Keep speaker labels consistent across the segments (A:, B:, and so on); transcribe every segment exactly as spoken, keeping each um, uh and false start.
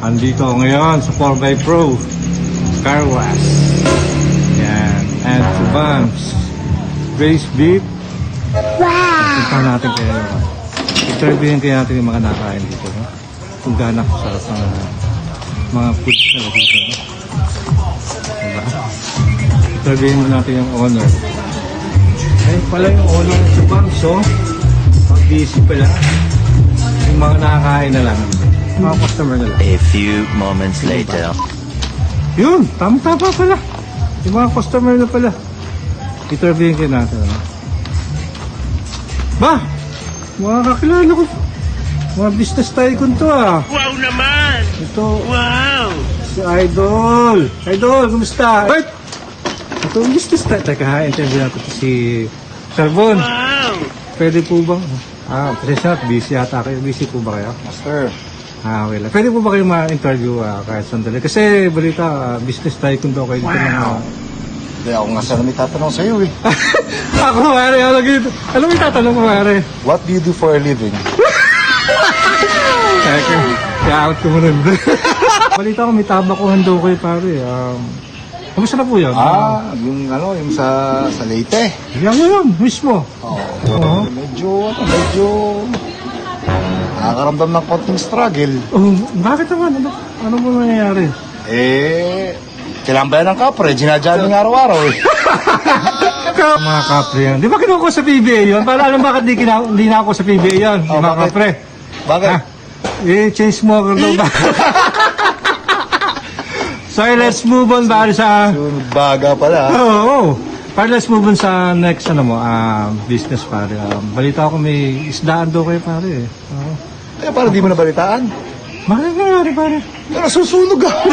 A: Andito ako ngayon sa four by Pro Car Wash. Yan. And to Bams. Grace Beef. Wow! Punta natin kayo. Interviewin kayo natin yung mga nakain dito. No? Kung ganak sa mga, mga foods na dito. No? Diba? Interviewin mo natin yung owner. Ay pala yung owner sa Bams. So, pag-busy pala. Yung mga nakakain na lang. Mga customer na lang.
B: A few moments later.
A: Yun, tama-tama pala. Yung mga customer na pala. Interviewin kayo natin. Ano? Ba, mga kakilala ko. Mga business tycoon to ah.
C: Wow naman!
A: Ito,
C: Wow!
A: si Idol. Idol, kumusta? Wait! Ito, business tycoon. Teka ha, interview natin si Sir Bon.
C: Wow!
A: Pwede po bang? Ah, presensya, busy yata kayo. Busy po ba kayo?
D: Master,
A: Ah, okay lang. Pwede po ba kayo ma-interview ah, kahit sandali? Kasi balita, ah, business tycoon daw kayo. Dito ng, ah,
D: hindi ako nga sana may tatanong sa'yo eh.
A: Ako, pare, ano gito? Ano may tatanong ko, pare?
D: What do you do for a living?
A: Teka, i-out ko muna. Balita ko, may tabakuhan daw kayo, pare. Um, kamusta na po yan?
D: Ah, yung ano, yung sa, sa Leyte.
A: Yan yun, mismo.
D: Oo.
A: Oo.
D: Medyo, ano, medyo, nakakaramdam ng konting struggle.
A: Oh, bakit naman? Ano, ano mo nangyayari?
D: Eh, kailangan ba yan ng kapre? Ginadyaning araw-araw eh.
A: Mga kapre yan. Di ba kinuha ko sa P B A yun? Para alam bakit di, kina, di na ako sa P B A yan,
D: Oh,
A: mga
D: bakit?
A: kapre.
D: Bakit?
A: Ah, eh, change smoker daw ba? So, let's move on pare sa...
D: Sunod baga pala.
A: Oo, oh, oh. Pare, let's move on sa next ano mo, ah, business pare. Um, balita ko may isdaan daw kayo pare. Oo.
D: Eh, parang di mo nabalitaan.
A: Bakit nangyari pare?
D: Pero susunog ah.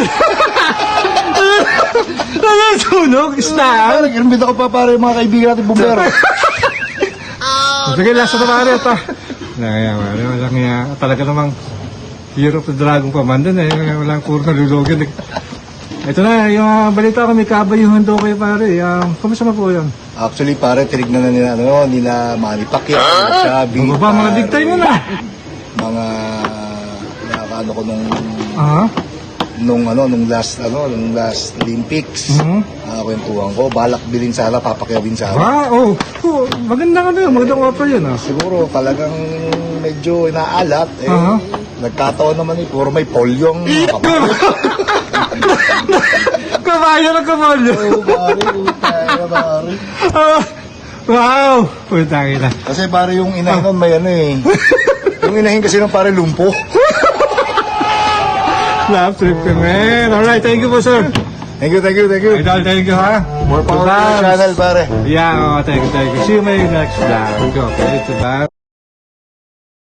A: Nasunog, isdaan?
D: Parang inumbit ako pa para yung mga kaibigan natin bumbero.
A: Sige, last na pare ito. Naya, pare, walang nga. Talaga namang Year of the Dragon pa man dun eh. Walang puro nalulogin. Ito na, yung uh, balita ko may kabayuhan daw kayo pare. Um, kumusta na po yan?
D: Actually, pare, tinignan na nila, ano, nila Manny Pacquiao, Chubby,
A: Ano ba, mga big time mo na?
D: mga nakakaano ko nung
A: Ah?
D: nung ano nung last ano nung last Olympics.
A: Mhm.
D: Nakakwentuhan ko, balak bilhin sana, Pacquiao din sana.
A: Ah, oh. oh maganda ka na yun. Magandang offer yun ah.
D: Siguro talagang medyo inaalat eh.
A: Aha.
D: Nagkataon naman eh, puro may polio ang
A: Kabayo na kabayo.
D: Oh, pare, utay, pare.
A: Ah, wow! Putang ina.
D: Kasi pare yung inahin nun may ano eh. Yung inahin kasi nung pare lumpo.
A: Love trip ka, man. Alright, thank you po, sir.
D: Thank you, thank you, thank you.
A: Idol, thank you, ha?
D: More power to
A: Goodbye.
D: the channel, pare.
A: Yeah, oh, thank you, thank you. See you in my next vlog. Go, okay? Goodbye.